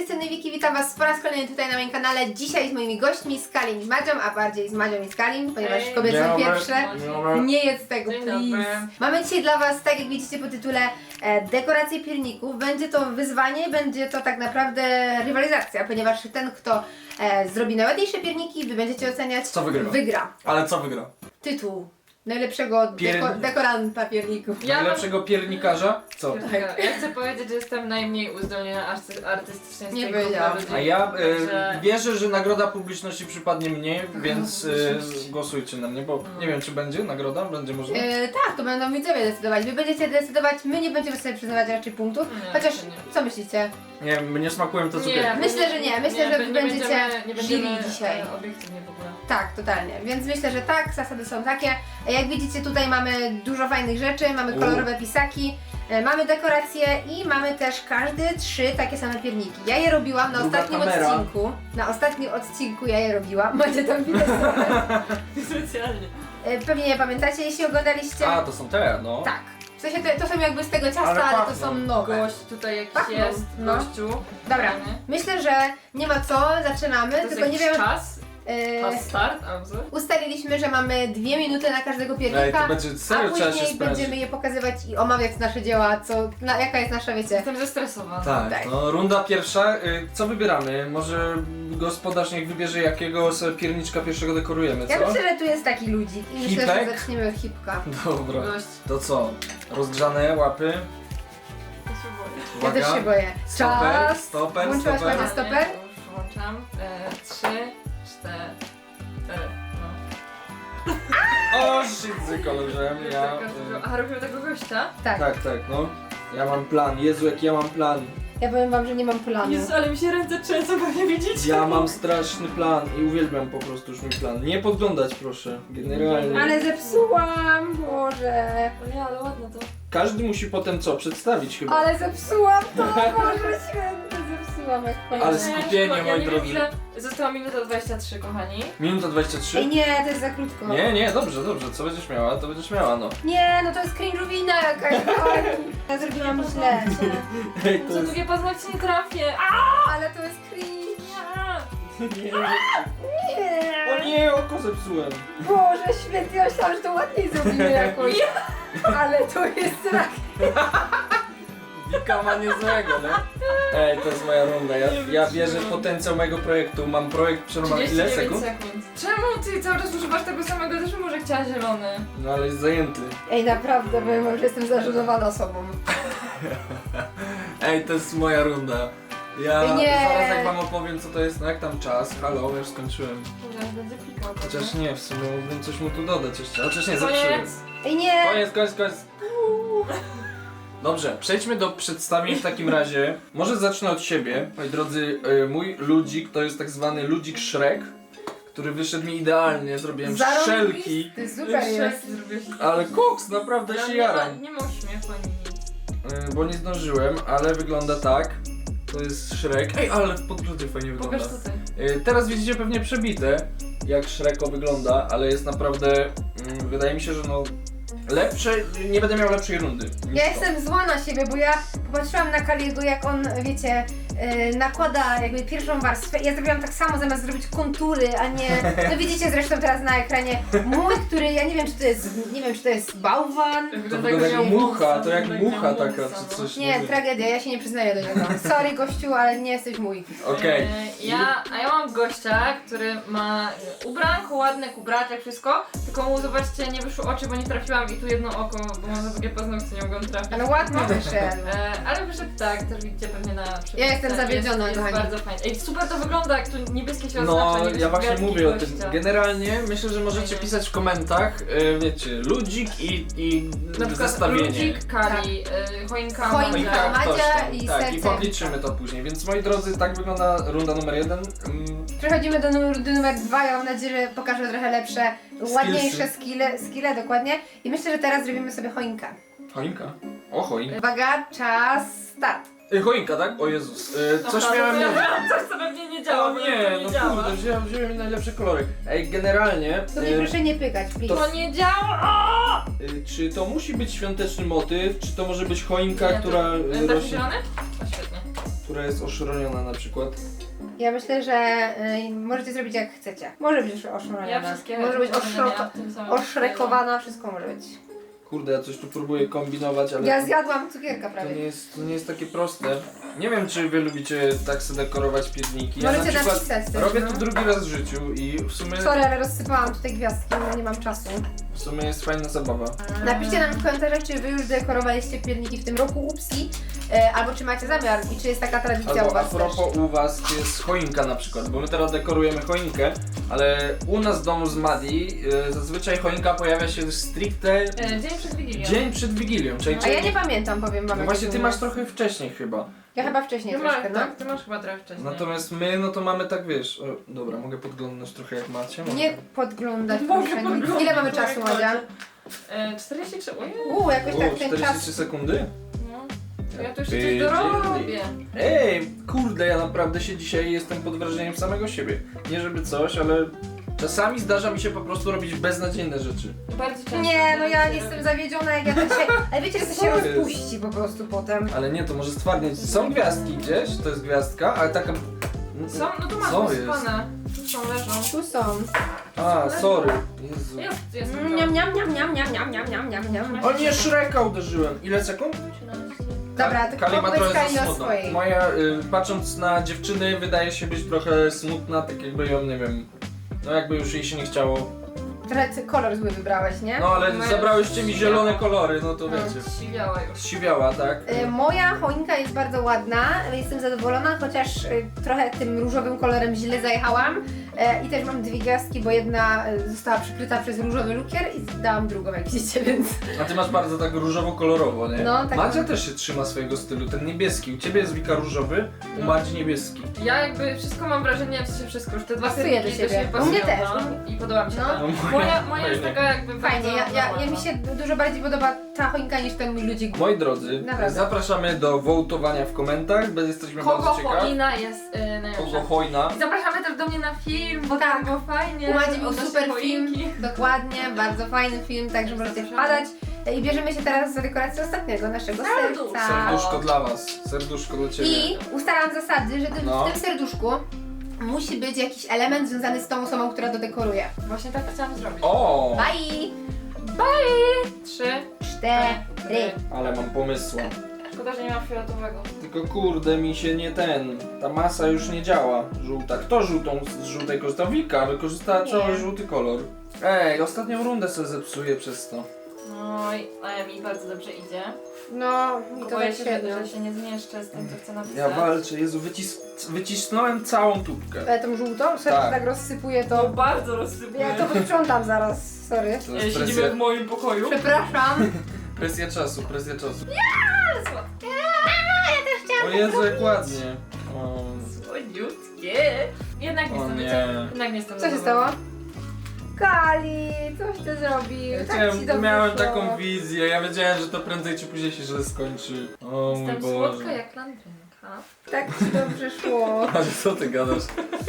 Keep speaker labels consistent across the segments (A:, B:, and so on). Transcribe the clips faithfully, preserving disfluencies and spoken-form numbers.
A: jestem Wiki, witam was po raz kolejny tutaj na moim kanale. Dzisiaj z moimi gośćmi, z Kalim i z Madzią, a bardziej z Madzią i z Kalim, ponieważ
B: Hej.
A: kobiety są pierwsze.
B: Dobry.
A: Nie jest tego,
B: Dzień
A: please.
B: dobry.
A: Mamy dzisiaj dla was, tak jak widzicie po tytule, e, dekoracje pierników. Będzie to wyzwanie, będzie to tak naprawdę rywalizacja, ponieważ ten, kto e, zrobi najładniejsze pierniki, wy będziecie oceniać,
C: Co wygrywa?
A: wygra.
C: Ale co wygra?
A: Tytuł najlepszego
C: Pier-
A: deko dekoranta pierników.
B: Ja
C: Najlepszego piernikarza? Co?
B: Tak. Ja chcę powiedzieć, że jestem najmniej uzdolniona arty- artystycznie z
A: Nie
B: tej grupy
A: powiedziałam.
B: ludzi.
C: A ja e,
B: Także-
C: wierzę, że nagroda publiczności przypadnie mnie, więc e, głosujcie na mnie, bo nie wiem, czy będzie nagroda, będzie można.
A: E, tak, to będą widzowie decydować. Wy będziecie decydować, my nie będziemy sobie przyznawać raczej punktów.
B: Nie,
A: Chociaż,
B: to nie.
A: co myślicie?
C: Nie, mnie smakują te
B: Nie,
C: cukierki.
A: Myślę, że nie. Myślę, że wy
B: nie
A: będziecie
B: będziemy, nie będziemy
A: żyli dzisiaj.
B: e, obiektywnie w ogóle.
A: Tak, totalnie. Więc myślę, że tak, zasady są takie. Jak widzicie, tutaj mamy dużo fajnych rzeczy, mamy
C: U.
A: kolorowe pisaki, e, mamy dekoracje i mamy też każdy trzy takie same pierniki. Ja je robiłam na
C: Druga
A: ostatnim
C: kamera.
A: odcinku. Na ostatnim odcinku ja je robiłam. Macie tam widać trochę.
B: Specjalnie.
A: E, Pewnie nie pamiętacie, jeśli oglądaliście.
C: A, to są te, no.
A: Tak. W sensie to, to są jakby z tego ciasta,
C: Ale
A: ale, to
C: pachną.
A: są nowe.
B: Gość tutaj jakiś
A: Pachną,
B: jest,
A: no.
B: gościu.
A: Dobra,
B: Fajny.
A: myślę, że nie ma co, zaczynamy,
B: To jest
A: tylko nie
B: jakiś
A: wiem.
B: czas?
A: e,
B: Czas start? A co?
A: Ustaliliśmy, że mamy dwie minuty na każdego
C: Ej,
A: piernika,
C: to będzie
A: a
C: serio, trzeba się
A: później
C: sprężyć.
A: będziemy je pokazywać i omawiać nasze dzieła, co, na, jaka jest nasza, wiecie.
B: Jestem zestresowana.
C: Tak,
A: Tak.
C: no runda pierwsza. Y, Co wybieramy? Może gospodarz niech wybierze, jakiego sobie pierniczka pierwszego dekorujemy,
A: Ja
C: co?
A: myślę, że tu jest taki ludzik i myślę, że
C: Hipek?
A: zaczniemy od hipka.
C: Dobra.
B: Gość.
C: To co? Rozgrzane łapy.
B: Ja się boję.
A: Ja
C: Uwaga.
A: też się boję.
C: Stoper,
A: Czas!
C: stoper,
A: Włączyłaś
C: stoper.
A: ładnie stoper?
B: Już włączam. E, trzy, cztery. No.
C: O, shit, kolorem, ja... y,
B: A robimy tego gościa?
A: Tak.
C: Tak, tak, no. Ja mam plan, Jezu, jak ja mam plan.
A: Ja powiem wam, że nie mam planu.
B: Jezu, ale mi się ręce trzęsą, pewnie widzicie.
C: Ja mam straszny plan i uwielbiam po prostu już mój plan. Nie podglądać, proszę, generalnie.
A: Ale zepsułam, Boże.
B: O nie, ale ładne to.
C: Każdy musi potem co? Przedstawić chyba.
A: Ale zepsułam to, Boże święty, zepsułam jak
C: Ale
A: fajnie.
C: skupienie,
B: ja
C: moi
B: nie wiem,
C: drodzy.
B: ile... Została minuta dwadzieścia trzy, kochani.
C: Minuta dwadzieścia
A: Ej
C: trzy?
A: nie, to jest za krótko.
C: Nie, nie, dobrze, dobrze, co będziesz miała, to będziesz miała, no.
A: Nie, no to jest cringe'owina jakaś, kochani. Ja zrobiłam źle.
C: Ej, to
B: Za
C: jest...
B: długie paznokcie nie trafię. A!
A: Ale to jest cringe.
B: Nie.
C: Nie,
A: Nie.
C: o nie, oko zepsułem.
A: Boże święty, ja myślałam, że to ładniej zrobimy jakoś. Ale to jest rak.
C: Wika ma niezłego, nie? Ej, to jest moja runda, ja, ja wierzę w potencjał mojego projektu. Mam projekt przerwany ile
B: trzydzieści dziewięć
C: sekund?
B: sekund. Czemu ty cały czas używasz tego samego? Też bym może chciała zielony.
C: No ale jest zajęty.
A: Ej, naprawdę, powiem wam, że jestem zażenowana sobą.
C: Ej, to jest moja runda. Ja
A: Nie.
C: zaraz jak wam opowiem co to jest, no jak tam czas, halo, już skończyłem.
B: Dobra, będzie pikał.
C: Chociaż nie, w sumie mógłbym coś mu tu dodać jeszcze, chociaż nie, zepsułem.
B: Koniec.
A: Ej, nie.
C: Koniec, koniec, koniec. Dobrze, przejdźmy do przedstawień w takim razie. Może zacznę od siebie. Moi drodzy, y, mój ludzik to jest tak zwany ludzik Shrek, który wyszedł mi idealnie, zrobiłem strzelki.
A: Ty super jest.
B: Zrobiłeś.
C: Ale koks, naprawdę
B: Ale
C: się
B: nie ma,
C: jaram.
B: nie ma uśmiechu ani nic.
C: Y, bo nie zdążyłem, ale wygląda tak. To jest Shrek. Ej, ale w podgrodzie fajnie wygląda.
B: Pokaż tutaj.
C: Y, Teraz widzicie pewnie przebite, jak Shreko wygląda, ale jest naprawdę, mm, wydaje mi się, że no lepsze, nie będę miał lepszej rundy. niż
A: Ja
C: to.
A: jestem zła na siebie, bo ja popatrzyłam na Kaliego, jak on, wiecie, yy, nakłada jakby pierwszą warstwę. Ja zrobiłam tak samo, zamiast zrobić kontury, a nie... No widzicie zresztą teraz na ekranie mój, który, ja nie wiem, czy to jest, nie wiem, czy to jest bałwan.
C: To
B: Wygląda
C: wygląda jak
B: miał
C: mucha,
B: wąsa,
C: to jak
B: wygląda
C: mucha
B: miał
C: taka,
B: wąsa,
C: czy
B: no.
C: coś.
A: Nie, tragedia, ja się nie przyznaję do niego. Sorry gościu, ale nie jesteś mój.
C: Okej.
B: E, Ja, a ja mam gościa, który ma e, ubranko ładne, kubraczek, wszystko, tylko mu zobaczcie, nie wyszły oczy, bo nie trafiłam i tu jedno oko, bo mam za długie paznokcie, nie mogłam trafić.
A: Ale ładnie wyszedł.
B: E, ale wyszedł tak, też widzicie pewnie na
A: Ja jestem zawiedziona,
B: jest,
A: kochani.
B: jest bardzo fajnie. Ej, super to wygląda, jak tu niebieskie się
C: No,
B: oznacza, nie
C: ja właśnie
B: wielki
C: mówię o tym.
B: gościa.
C: Generalnie myślę, że możecie pisać w komentarzach, y, wiecie, ludzik i, i
B: Na przykład
C: zestawienie.
B: ludzik, Kali, e, choinka,
A: Choinka.
C: No i
B: Madzia.
C: tak,
A: Madzia
C: ktoś tam.
A: i
C: Tak,
A: serce
C: i podliczymy to później. Więc moi drodzy, tak wygląda runda numer jeden. Mm,
A: Przechodzimy do numeru, do numer dwa, ja mam nadzieję, że pokażę trochę lepsze, ładniejsze skille, skille, dokładnie. I myślę, że teraz zrobimy sobie choinkę.
C: choinka. O, choinka.
A: Uwaga, czas, start.
C: Y, choinka, tak? O Jezus. Y, coś
B: Aha,
C: miałem...
B: to ja miałam coś, co pewnie nie działa,
C: O
B: bo
C: nie,
B: to nie
C: no
B: działa.
C: kurde, wziąłem, wziąłem najlepsze kolory. Ej, generalnie...
A: To mnie
C: y,
A: proszę nie pykać, please.
B: To nie działa!
C: y, czy to musi być świąteczny motyw, czy to może być choinka,
B: Nie, to-
C: która y,
B: Taki
C: rośnie...
B: zielony? O, świetnie.
C: która jest oszroniona na przykład.
A: Ja myślę, że y, możecie zrobić jak chcecie. Może być
B: Ja
A: oszroniona,
B: wszystkie
A: może być
B: marzenia
A: oszroko-
B: miałam w tym samym
A: oszrekowana, wszystko może być.
C: Kurde, ja coś tu próbuję kombinować, ale
A: Ja
C: to,
A: zjadłam cukierka
C: to,
A: prawie.
C: nie jest, to nie jest takie proste. Nie wiem, czy wy lubicie tak sobie dekorować pierniki. Ja
A: Możecie
C: na przykład
A: napisać też,
C: robię
A: no.
C: to drugi raz w życiu i w sumie,
A: Sorry, ale rozsypałam tutaj gwiazdki, no nie mam czasu.
C: w sumie jest fajna zabawa.
A: Napiszcie nam w komentarzach, czy wy już dekorowaliście pierniki w tym roku, upsi, e, albo czy macie zamiar i czy jest taka tradycja u
C: Albo a
A: was też.
C: propos u was, czy jest choinka na przykład, bo my teraz dekorujemy choinkę, ale u nas w domu z Madi y, zazwyczaj choinka pojawia się stricte
B: E, Dzień przed Wigilią.
C: dzień przed Wigilią, czyli
A: A ja nie pamiętam, powiem wam.
C: no
A: jak
C: właśnie
A: to
C: ty
A: było.
C: masz trochę wcześniej chyba.
A: Ja chyba wcześniej
B: Ty masz,
A: troszkę, no.
B: tak, ty masz chyba trochę wcześniej.
C: Natomiast my, no to mamy tak, wiesz, o, dobra, mogę podglądnąć trochę jak macie? Mogę.
A: Nie podglądać,
B: Mogę
A: proszę.
B: podglądać,
A: Ile mamy
B: tak,
A: czasu,
B: tak.
A: Madzia?
B: E, czterdzieści trzy, ojej.
A: Uuu, jakoś
C: O,
A: tak ten
C: czterdzieści
A: czas.
C: trzy sekundy?
B: No. To ja tu jeszcze
C: Ty,
B: coś dorobię.
C: Ej, kurde, ja naprawdę się dzisiaj jestem pod wrażeniem samego siebie. Nie żeby coś, ale czasami zdarza mi się po prostu robić beznadziejne rzeczy.
B: Bardzo często.
A: Nie, no ja
B: się
A: jestem
B: robi.
A: zawiedziona, jak ja to się... Ale wiecie, że to się
C: Co jest?
A: rozpuści po prostu potem.
C: Ale nie, to może stwardnieć. Są gwiazdki gdzieś, to jest gwiazdka, ale taka...
B: Są, no tu masz
C: Co
B: posypane. Tu są, leżą.
A: Tu są.
C: A, sorry. Jezu.
B: Jest, jest.
A: Mm, Niam, niam, niam, niam, niam, niam, niam, niam, niam, niam.
C: O nie, Shreka uderzyłem. Ile sekund?
A: Dobra, to
C: Kali ma
A: opowiedz
C: trochę
A: Kali
C: za
A: o
C: smutno.
A: swojej.
C: Moja, y, patrząc na dziewczyny, wydaje się być trochę smutna, tak jakby ją, nie wiem, no jakby już jej się nie chciało.
A: Trochę ty kolor zły wybrałeś, nie?
C: No ale
B: Moja
C: zabrałyście mi
B: siwiała.
C: zielone kolory, no to
A: No.
C: wiecie.
B: Siwiała już.
C: Siwiała, tak?
A: Y, Moja choinka jest bardzo ładna, jestem zadowolona, chociaż y, trochę tym różowym kolorem źle zajechałam. Y, I też mam dwie gwiazdki, bo jedna y, została przykryta przez różowy lukier i dałam drugą, jak widzicie, więc...
C: A ty masz bardzo tak różowo-kolorowo, nie?
A: No, tak.
C: Madzia też się trzyma swojego stylu, ten niebieski. U ciebie jest Wika różowy, u Madzi niebieski.
B: Ja jakby wszystko mam wrażenie, w sensie wszystko, już te dwa
A: Pasuje
B: serki
A: do siebie.
B: się
A: U mnie
B: pasują,
A: też.
B: no. I podoba mi się
A: No.
B: to.
C: No,
B: Moja, moja jest
C: fajnie.
B: taka jakby
A: Fajnie,
B: bardzo
A: ja, ja, ja
B: normalna.
A: mi się dużo bardziej podoba ta choinka niż ten mój ludzik.
C: Moi drodzy,
A: Naprawdę.
C: zapraszamy do wołtowania w komentarzach, bo jesteśmy
B: Kogo
C: bardzo ciekawi.
B: choina jest y, najlepsza.
C: Kogo hojna.
B: I zapraszamy też do mnie na film, bo
A: Tak.
B: tak było fajnie.
A: U Madzi był
B: odnośnie
A: super film,
B: choinki.
A: dokładnie, bardzo fajny film, także możecie
B: Zapraszamy.
A: wpadać. I bierzemy się teraz za dekorację ostatniego naszego
B: Serduszko.
A: serca.
C: Serduszko dla was, serduszko dla ciebie.
A: I ustalam zasady, że ty-
C: No.
A: w tym serduszku musi być jakiś element związany z tą osobą, która to dekoruje.
B: Właśnie tak chciałam zrobić.
C: O!
A: Bye!
B: Bye! Trzy.
A: Cztery.
C: Ale mam pomysła.
B: Szkoda, że nie ma fioletowego.
C: Tylko kurde mi się nie ten. Ta masa już nie działa. Żółta. Kto żółtą z żółtej korzystał? Wika wykorzystała
A: Nie.
C: cały żółty kolor. Ej, ostatnią rundę sobie zepsuję przez to.
B: Oj, a mi bardzo dobrze idzie.
A: No, i to
B: Boję
A: tak
B: się,
A: średnio.
B: że się nie zmieszczę z tym, co chcę napisać.
C: Ja walczę, Jezu, wycis wycisnąłem całą tubkę.
A: Ale tą żółtą? Sorry,
C: Tak.
A: że tak rozsypuję
B: To
A: to.
B: bardzo rozsypuję.
A: Ja to posprzątam zaraz, sorry.
C: To
B: E,
C: jest
B: Siedzimy
C: presja,
B: w moim pokoju.
A: Przepraszam.
C: presja czasu, presja czasu.
B: Ale słodkie.
C: O Jezu, jak ładnie. O,
B: Słodziutkie. Jednak nie
C: O
B: jestem,
C: nie.
B: wiecie, jednak nie jestem
A: Co się stało? Kali, coś ty zrobił.
C: Ja
A: tak
C: chciałem,
A: ci dobrze
C: miałem
A: szło.
C: taką wizję, ja wiedziałem, że to prędzej czy później się źle skończy. O mój
B: Jestem
C: Boże.
B: słodka jak landrynka.
A: Tak ci dobrze szło.
C: Ale co ty gadasz?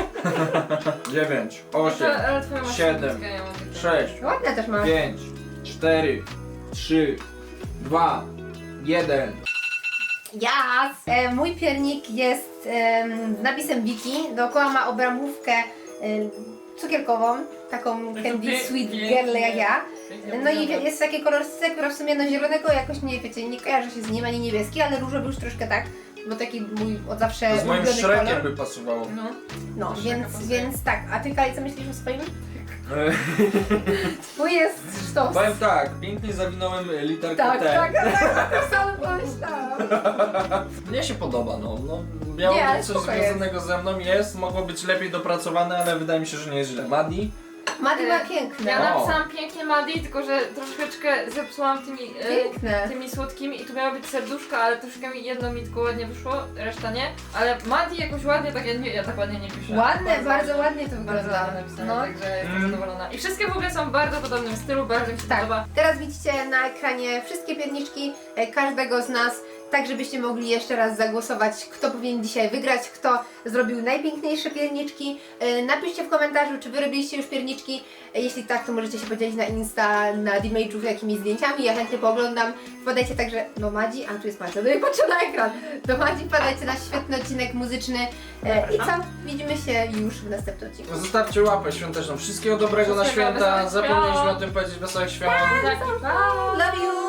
C: dziewięć, osiem,
B: Ale- ale twoja masz
C: siedem,
B: słodkie, ja mam takie.
C: sześć,
A: Ładne też masz.
C: pięć, cztery, trzy, dwa, jeden.
A: Jas! E, mój piernik jest em, z napisem Wiki. Dookoła ma obramówkę em, cukierkową, taką
B: to
A: candy
B: pie-
A: sweet
B: pięknie.
A: girl jak ja.
B: Pięknie
A: No i
B: wygląda.
A: jest takie kolorystce, która w sumie no zielonego jakoś nie, wiecie, nie kojarzy się z nim, ani niebieski, ale różowy już troszkę tak, bo taki mój od zawsze
C: To z moim
A: ulubiony
C: Shrekiem
A: kolor.
C: by pasowało.
B: No.
A: No,
B: Shreka
A: więc,
B: pasuje.
A: więc tak. A ty, Kali, co myślisz o swoim?
C: E,
A: Twój jest sztos.
C: Powiem tak, pięknie zawinąłem literkę
A: Tak,
C: T.
A: tak, tak, tak samo pomyślałam.
C: Mnie się podoba, no. no
A: Nie,
C: miało
A: ale
C: być coś
A: spoko
C: związanego ze mną, jest, mogło być lepiej dopracowane, ale wydaje mi się, że nie jest źle. Madi?
A: Madi ma
B: E,
A: piękne.
B: Ja
C: O.
B: napisałam pięknie Madi, tylko że troszeczkę zepsułam tymi, e,
A: Piękne.
B: tymi słodkimi i tu miało być serduszka, ale troszkę mi jedno mi tylko ładnie wyszło, reszta nie. Ale Madi jakoś ładnie, tak ja, nie, ja tak ładnie nie piszę.
A: Ładne, bardzo ładnie to
B: Bardzo
A: wygląda.
B: ładnie napisane,
A: No.
B: także jestem
C: Mm.
B: zadowolona. I wszystkie w ogóle są w bardzo podobnym stylu, bardzo mi się
A: Tak.
B: podoba.
A: Teraz widzicie na ekranie wszystkie pierniczki e, każdego z nas tak żebyście mogli jeszcze raz zagłosować, kto powinien dzisiaj wygrać, kto zrobił najpiękniejsze pierniczki. Yy, napiszcie w komentarzu, czy wy robiliście już pierniczki. Yy, jeśli tak, to możecie się podzielić na Insta, na Dmage'ów jakimiś zdjęciami, ja chętnie pooglądam. Wpadajcie także do Madzi, a tu jest Madzia, no i patrzę na ekran. Do Madzi wpadajcie na świetny odcinek muzyczny. Yy, I co? Widzimy się już w następnym odcinku.
C: Zostawcie łapę świąteczną. Wszystkiego dobrego na
B: Wszystkiego,
C: święta.
B: wesołych
C: Zapomnieliśmy
B: świąt.
C: o tym powiedzieć, wesołych świąt.
B: Taki, pa!
A: Love you!